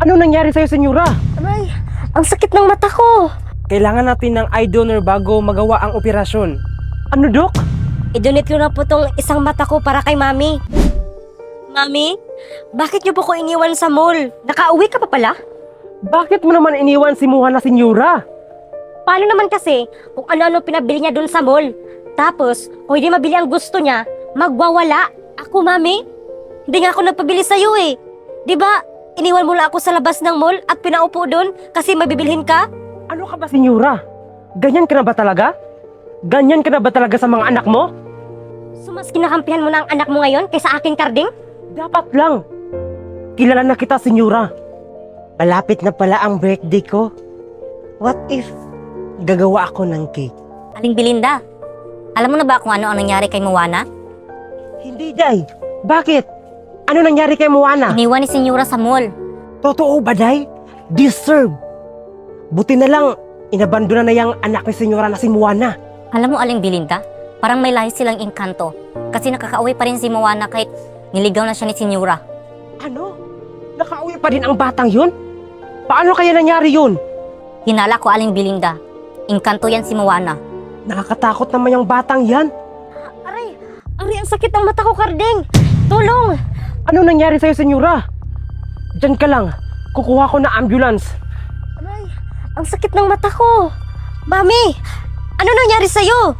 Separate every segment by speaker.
Speaker 1: Ano nangyari sa'yo, senyora?
Speaker 2: Aray, ang sakit ng mata ko.
Speaker 1: Kailangan natin ng eye donor bago magawa ang operasyon. Ano, Dok?
Speaker 2: I-donate ko na po tong isang mata ko para kay Mami. Mami, bakit niyo po ko iniwan sa mall? Nakauwi ka pa pala?
Speaker 1: Bakit mo naman iniwan si Muha na senyora?
Speaker 2: Paano naman kasi kung ano-ano pinabili niya dun sa mall? Tapos, kung hindi mabili ang gusto niya, magwawala. Ako, Mami, hindi nga ako nagpabili sa'yo eh. Di ba, iniwan mo lang ako sa labas ng mall at pinaupo dun kasi mabibilhin ka?
Speaker 1: Ano ka ba, senyora? Ganyan ka na ba talaga? Ganyan ka na ba talaga sa mga anak mo?
Speaker 2: So, mas kinakampihan mo na ang anak mo ngayon kaysa aking karding?
Speaker 1: Dapat lang. Kilala na kita, senyora. Malapit na pala ang birthday ko. What if gagawa ako ng cake?
Speaker 3: Aling Belinda, alam mo na ba kung ano ang nangyari kay Moana?
Speaker 1: Hindi, Day. Bakit? Ano nangyari kay Moana?
Speaker 3: Iniwan ni Senyora sa mall.
Speaker 1: Totoo ba, Day? Deserve. Buti na lang, inabandona na yung anak ni senyora na si Moana.
Speaker 3: Alam mo, Aling Belinda, parang may lahi silang engkanto. Kasi nakakauwi pa rin si Moana kahit niligaw na siya ni Senyora.
Speaker 1: Ano? Nakauwi pa din ang batang yun? Paano kaya nangyari yun?
Speaker 3: Hinala ko, Aling Belinda. Engkanto yan si Moana.
Speaker 1: Nakakatakot naman yung batang yan.
Speaker 2: Aray, ang sakit ng mata ko, karding. Tulong!
Speaker 1: Ano nangyari sa'yo, senyora? Diyan ka lang. Kukuha ko na ambulance.
Speaker 2: Aray, ang sakit ng mata ko. Mami, ano nangyari sa'yo?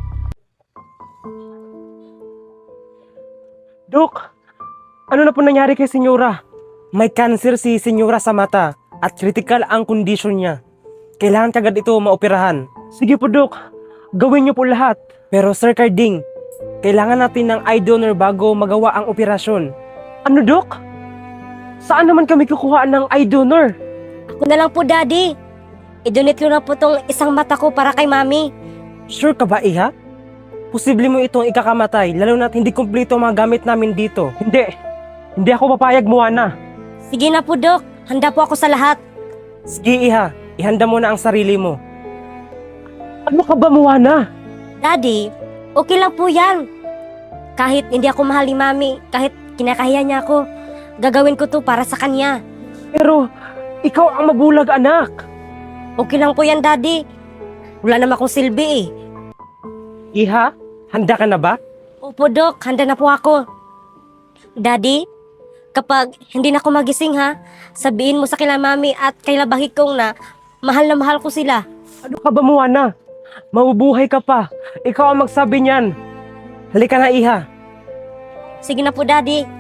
Speaker 1: Dok, ano na po nangyari kay senyora? May cancer si senyora sa mata at critical ang kondisyon niya. Kailangan kagad ito maoperahan. Sige po, Dok. Gawin niyo po lahat. Pero Sir Carding, kailangan natin ng eye donor bago magawa ang operasyon. Ano, Dok? Saan naman kami kukuha ng eye donor?
Speaker 2: Ako na lang po, Daddy. I-donate ko na po tong isang mata ko para kay Mami.
Speaker 1: Sure ka ba, Iha? Posible mo itong ikakamatay, lalo na't hindi kumpleto ang mga gamit namin dito. Hindi ako papayag, Moana.
Speaker 2: Sige na po, Dok. Handa po ako sa lahat.
Speaker 1: Sige, Iha. Ihanda mo na ang sarili mo. Ano ka ba, Moana?
Speaker 2: Daddy, okay lang po yan. Kahit hindi ako mahal ni Mami, kahit kinakahiya niya ako, gagawin ko to para sa kanya.
Speaker 1: Pero, ikaw ang mabulag, anak.
Speaker 2: Okay lang po yan, Daddy. Wala naman akong silbi eh.
Speaker 1: Iha, handa ka na ba?
Speaker 2: Opo, Dok. Handa na po ako. Daddy, kapag hindi na ako magising ha, sabihin mo sa kila Mami at kila Bahikong na mahal ko sila.
Speaker 1: Ano ka ba, Moana? Mabubuhay ka pa. Ikaw ang magsabi niyan. Halika na, Iha.
Speaker 2: Sige na po, Daddy.